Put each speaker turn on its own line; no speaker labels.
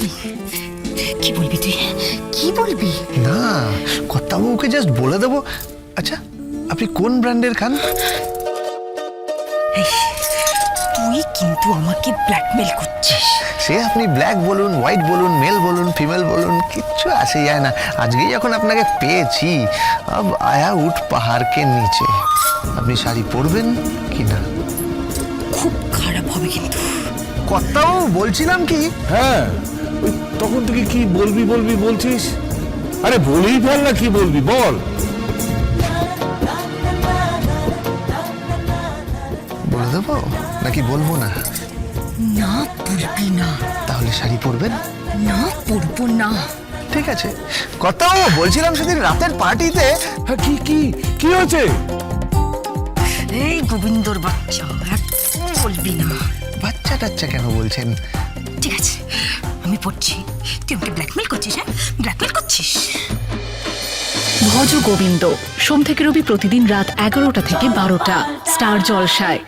কি বলবি তুই? কি বলবি?
না, কর্তাবাবুকে জাস্ট বলে দেবো। আচ্ছা, আপনি কোন ব্র্যান্ডের খান?
তুই কিন্তু আমাকে ব্ল্যাকমেল করছিস।
সে আপনি ব্ল্যাক বলুন, হোয়াইট বলুন, মেল বলুন, ফিমেল বলুন, কিচ্ছু আসে যায় না। আজকেই যখন আপনাকে পেয়েছি, আব আয়া উঠ পাহাড়কে নিচে। আপনি শাড়ি পরবেন কি না?
খুব খারাপ হবে কিন্তু।
কর্তাবাবু বলছিলাম কি,
হ্যাঁ, ওই তখন থেকে কি বলবি বলবি বলছিস? আরে বলেই ফেল না, কি বলবি বল।
বলে দেবো নাকি বলবো না?
না, বলবি না।
তাহলে শাড়ি পরবেন?
না, পরবো না।
ঠিক আছে। কর্তাবাবু বলছিলাম সেদিন রাতের পার্টিতে।
হ্যাঁ, কি কি কি হয়েছে?
এই গোবিন্দর বাচ্চা, একদম বলবি না।
বাচ্চা টাচ্চা কেন বলছেন?
ঠিক আছে, আমি পড়ছি। তুই আমাকে ব্ল্যাকমেল করছিস? হ্যাঁ, ব্ল্যাকমেল করছিস?
ভজ গোবিন্দ সোম থেকে রবি প্রতিদিন রাত 11টা থেকে 12টা স্টার জলসায়।